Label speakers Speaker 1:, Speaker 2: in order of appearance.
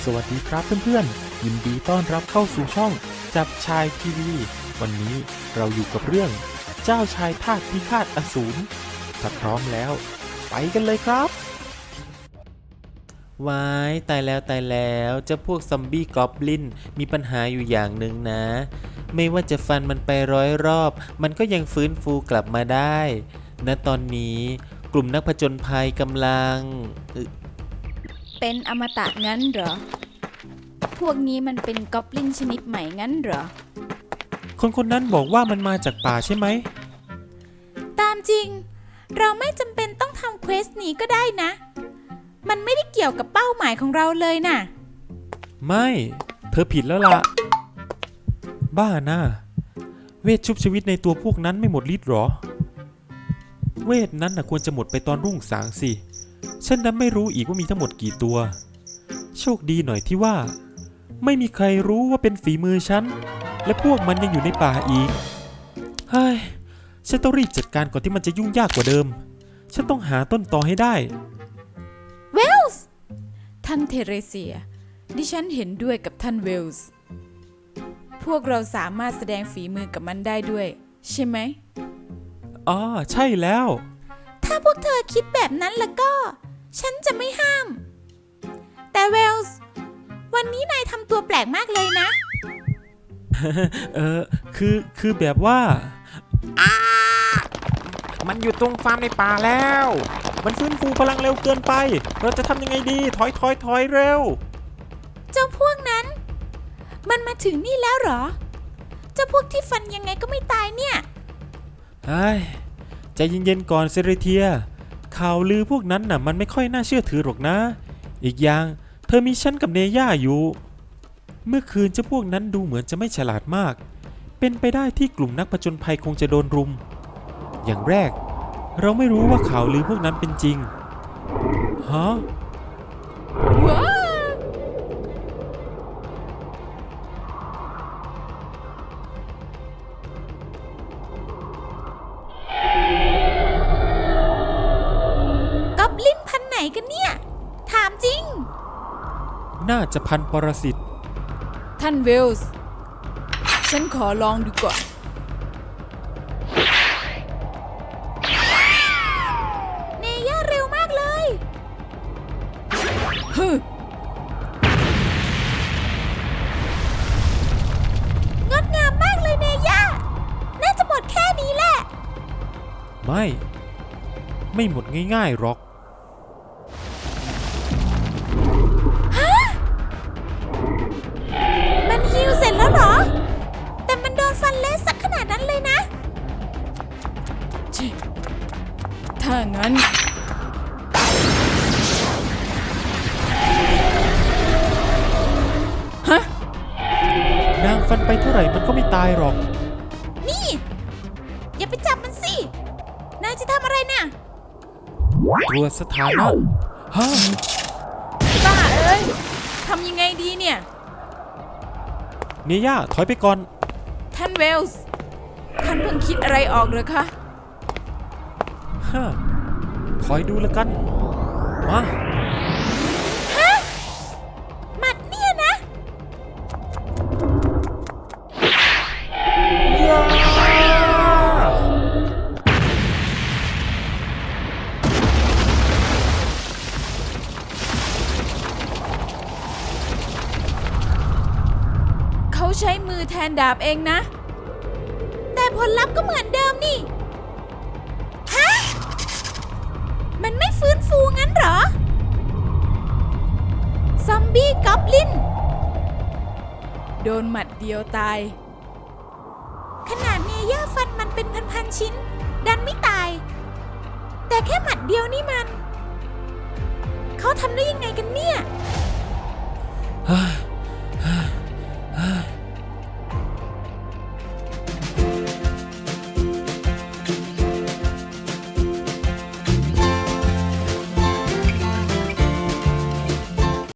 Speaker 1: สวัสดีครับเพื่อนๆยินดีต้อนรับเข้าสู่ช่องจับชายทีวีวันนี้เราอยู่กับเรื่องเจ้าชายทาสพิฆาตอสูรถ้าพร้อมแล้วไปกันเลยครับ
Speaker 2: ว้ายตายแล้วเจ้าพวกซอมบี้กอบลินมีปัญหาอยู่อย่างหนึ่งนะ ไม่ว่าจะฟันมันไป100 รอบมันก็ยังฟื้นฟูกลับมาได้ณตอนนี้กลุ่มนักผจญภัยกำลัง
Speaker 3: เป็นอมตะงั้นเหรอ พวกนี้มันเป็นกอบลินชนิดใหม่งั้นเหรอ
Speaker 1: คนนั้นบอกว่ามันมาจากป่าใช่ไหม
Speaker 3: ตามจริง เราไม่จำเป็นต้องทำเควสนี้ก็ได้นะ มันไม่ได้เกี่ยวกับเป้าหมายของเราเลยน่ะ
Speaker 1: ไม่เธอผิดแล้วล่ะบ้านะเวทชุบชีวิตในตัวพวกนั้นไม่หมดฤทธิ์หรอเวทนั้นน่ะควรจะหมดไปตอนรุ่งสางสิฉันนั้นไม่รู้อีกว่ามีทั้งหมดกี่ตัวโชคดีหน่อยที่ว่าไม่มีใครรู้ว่าเป็นฝีมือฉันและพวกมันยังอยู่ในป่าอีกเฮ้ยฉันต้องรีบจัดการก่อนที่มันจะยุ่งยากกว่าเดิมฉันต้องหาต้นตอให้ได้
Speaker 3: เวลส์ท่านเทเรเซียดิฉันเห็นด้วยกับท่านเวลส์พวกเราสามารถแสดงฝีมือกับมันได้ด้วยใช่ไหม
Speaker 1: อ๋อใช่แล้ว
Speaker 3: ถ้าพวกเธอคิดแบบนั้นแล้วก็ฉันจะไม่ห้ามแต่เวลส์วันนี้นายทำตัวแปลกมากเลยนะ
Speaker 1: คือแบบว่า
Speaker 2: มันอยู่ตรงฟาร์มในป่าแล้ว
Speaker 1: มันฟื้นฟูพลังเร็วเกินไปเราจะทำยังไงดีถอยเร็ว
Speaker 3: เจ้าพวกนั้นมันมาถึงนี่แล้วเหรอเจ้าพวกที่ฟันยังไงก็ไม่ตายเนี่ย
Speaker 1: เฮ้ยใจเย็นๆก่อนเซเรเทียข่าวลือพวกนั้นน่ะมันไม่ค่อยน่าเชื่อถือหรอกนะอีกอย่างเธอมีฉันกับเนย่าอยู่เมื่อคืนเจ้าพวกนั้นดูเหมือนจะไม่ฉลาดมากเป็นไปได้ที่กลุ่มนักผจญภัยคงจะโดนรุมอย่างแรกเราไม่รู้ว่าข่าวลือพวกนั้นเป็นจริงฮะ
Speaker 3: ว้าก๊อบลินพันไหนกันเนี่ยถามจริง
Speaker 1: น่าจะพันปรสิต
Speaker 3: ท่านเวลส์ฉันขอลองดูก่อนเนย่าเร็วมากเลยฮึงดงามมากเลยเนย่าน่าจะหมดแค่นี้แหละ
Speaker 1: ไม่หมดง่ายๆหรอก
Speaker 3: มันฮีลเสร็จแล้วเหรอแต่มันโดนฟันเละสักขนาดนั้นเลยนะถ้างั้นฮะ
Speaker 1: นางฟันไปเท่าไหร่มันก็ไม่ตายหรอก
Speaker 3: นี่อย่าไปจับมันสินายจะทำอะไรเนี่ย
Speaker 1: ตรวจสถานะฮะ
Speaker 3: บ้าเอ้ยทำยังไงดีเนี่ย
Speaker 1: เนย่าถอยไปก่อน
Speaker 3: ท่านเวลส์ท่านเพิ่งคิดอะไรออกเหรอคะ
Speaker 1: ฮะคอยดูแล้วกันมา
Speaker 3: ฮะหมัดเนี่ยนะเขาใช้มือแทนดาบเองนะแต่ผลลัพธ์ก็เหมือนเดิมนี่ฮะมันไม่ฟื้นฟูงั้นเหรอซอมบี้กอบลินโดนหมัดเดียวตายขนาดเนย่าฟันมันเป็นพันๆชิ้นดันไม่ตายแต่แค่หมัดเดียวนี่มันเขาทำได้ยังไงกันเนี่ย